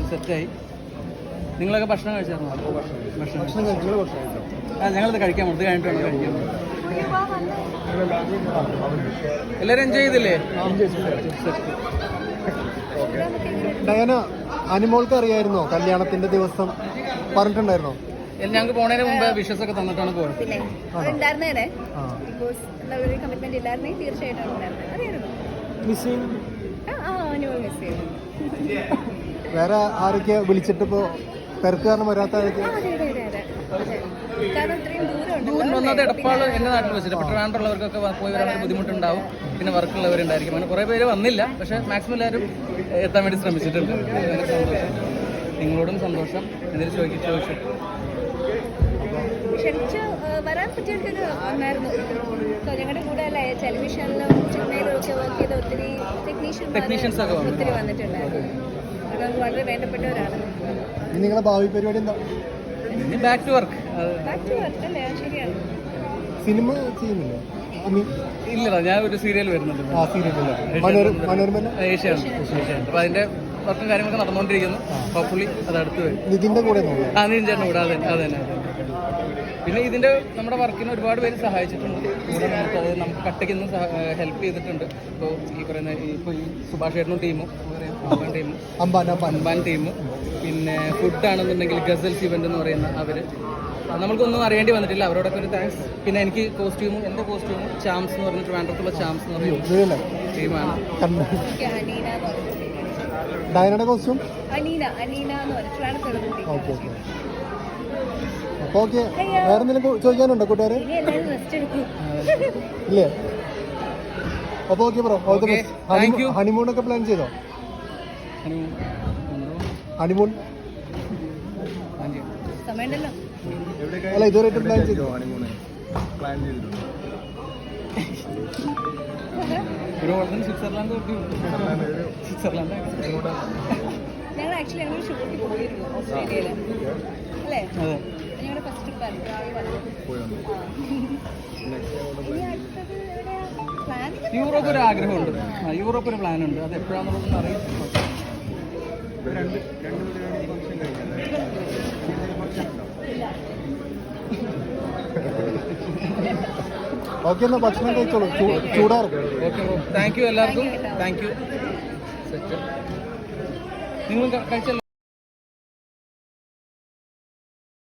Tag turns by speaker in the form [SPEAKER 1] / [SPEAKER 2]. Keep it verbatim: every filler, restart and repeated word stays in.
[SPEAKER 1] സെറ്റായി. നിങ്ങളൊക്കെ ഭക്ഷണം കഴിച്ചായിരുന്നോ? ഭക്ഷണം ആ ഞങ്ങളിത് കഴിക്കാൻ ഇത് കഴിഞ്ഞിട്ട് വേണം കഴിക്കാൻ. എല്ലാവരും എൻജോയ് ചെയ്തില്ലേ?
[SPEAKER 2] ഡയാന, അനിമോൾക്ക് അറിയായിരുന്നോ കല്യാണത്തിന്റെ ദിവസം പറഞ്ഞിട്ടുണ്ടായിരുന്നോ?
[SPEAKER 1] ഞങ്ങൾക്ക് പോണതിന് മുമ്പ് വിഷസ് ഒക്കെ തന്നിട്ടാണ് പോയത്.
[SPEAKER 2] വേറെ ആരൊക്കെ വിളിച്ചിട്ട് ഇപ്പോ തിരക്ക് കാരണം വരാത്ത ആരൊക്കെ?
[SPEAKER 1] ഒന്നാമത് എടപ്പാൾ എൻ്റെ നാട്ടിൽ വെച്ചിട്ട് ട്രിവാൻഡ്രമുള്ളവർക്കൊക്കെ പോയി വരാൻ ഒരു ബുദ്ധിമുട്ടുണ്ടാവും. പിന്നെ വർക്കുള്ളവരുണ്ടായിരിക്കും. അങ്ങനെ കുറേ പേര് വന്നില്ല. പക്ഷേ മാക്സിമം എല്ലാവരും എത്താൻ വേണ്ടി ശ്രമിച്ചിട്ടുണ്ട്. സന്തോഷം. നിങ്ങളോടും സന്തോഷം. എന്തെങ്കിലും ചോദിക്കും ചോദിച്ചു
[SPEAKER 3] ക്ഷണിച്ച് വരാൻ പറ്റിയൊരു ഒന്നായിരുന്നു. ഞങ്ങളുടെ കൂടെ അല്ലേ ടെലിവിഷനിലും സിനിമയിലും ഒക്കെ വർക്ക് ചെയ്ത ഒത്തിരി ടെക്നീഷ്യൻസ് ഒക്കെ ഒത്തിരി വന്നിട്ടുണ്ടായിരുന്നു. അത് വളരെ വേണ്ടപ്പെട്ടവരാണ്.
[SPEAKER 2] നിങ്ങളുടെ ഭാവി പരിപാടി എന്താ?
[SPEAKER 1] Back to work.
[SPEAKER 3] Back to work അല്ലേ? ശരിയാണ്.
[SPEAKER 2] സിനിമ ചെയ്യുന്നില്ല?
[SPEAKER 1] ഇല്ലടാ, ഞാൻ ഒരു സീരിയൽ വരുന്നുണ്ട്. ഏഷ്യാനെറ്റ്. അപ്പോൾ അതിന്റെ വർക്കും കാര്യങ്ങളൊക്കെ നടന്നുകൊണ്ടിരിക്കുന്നു. ഹോപ്പ്ഫുള്ളി അത് അടുത്ത് വരും.
[SPEAKER 2] നിതിന്റെ കൂടെ
[SPEAKER 1] ആ നിതിൻ ചേട്ടൻ കൂടെ അതെ അതെ തന്നെ. പിന്നെ ഇതിന്റെ നമ്മുടെ വർക്കിന് ഒരുപാട് പേര് സഹായിച്ചിട്ടുണ്ട്. കൂടെ നമുക്ക് അത് നമുക്ക് കട്ടയ്ക്ക് നിന്ന് ഹെൽപ്പ് ചെയ്തിട്ടുണ്ട്. ഇപ്പോൾ ഈ പറയുന്ന ഇപ്പോൾ ഈ സുഭാഷ് ചേട്ടനും ടീമും അമ്പാൻ ടീമും അമ്പാൻ ടീമും പിന്നെ ഫുഡാണെന്നുണ്ടെങ്കിൽ ഗസൽസ് ഇവന്റ് എന്ന് പറയുന്ന അവര് നമ്മൾക്കൊന്നും അറിയേണ്ടി വന്നിട്ടില്ല. അവരോടൊക്കെ ഒരു താങ്ക്സ്. പിന്നെ എനിക്ക് കോസ്റ്റ്യൂമും എൻ്റെ കോസ്റ്റ്യൂമും ചാംസ് എന്ന് പറഞ്ഞിട്ട് ട്രിവാൻഡ്രത്തുള്ള ചാംസ് എന്ന് പറയുന്ന ടീമാണ്.
[SPEAKER 2] ഡയനയുടെ കോസ്റ്റ്യൂം
[SPEAKER 3] അനീന അനീന എന്ന് പറഞ്ഞിട്ട്
[SPEAKER 2] ഓക്കെ ഓക്കെ. അപ്പോൾ ഓക്കെ, വേറെ എന്തെങ്കിലും ചോദിക്കാനുണ്ടോ കൂട്ടുകാരെ? ഇല്ലേ? അപ്പോൾ okay bro, all the best. ഹണിമൂണൊക്കെ പ്ലാൻ ചെയ്തോ? ഹണിമൂൺ അല്ല ഇതുവരെയായിട്ട് പ്ലാൻ ചെയ്തോ?
[SPEAKER 4] പ്ലാൻ ചെയ്തിട്ടുണ്ടോ?
[SPEAKER 1] സ്വിറ്റ്സർലാൻഡ് സ്വിറ്റ്സർലാൻഡ്
[SPEAKER 3] ഞങ്ങൾ ആക്ച്വലി ഞങ്ങൾ ഷൂട്ടിൽ പോയിരുന്നു ഓസ്ട്രേലിയയിൽ അല്ലേ? ഞങ്ങളുടെ ഫസ്റ്റ് ട്രിപ്പായിരുന്നു.
[SPEAKER 1] യൂറോപ്പ് ഒരു ആഗ്രഹമുണ്ട്. യൂറോപ്പ് ഒരു പ്ലാൻ ഉണ്ട്. അത് എപ്പോഴാണെന്നുള്ളത് അറിയാം.
[SPEAKER 2] ഓക്കെ, എന്നാൽ ഭക്ഷണം കഴിച്ചോളൂ, ചൂടാറും.
[SPEAKER 1] ഓക്കെ ബ്രോ, താങ്ക് യു എല്ലാവർക്കും. Thank you. നിങ്ങൾ കഴിച്ചല്ലോ.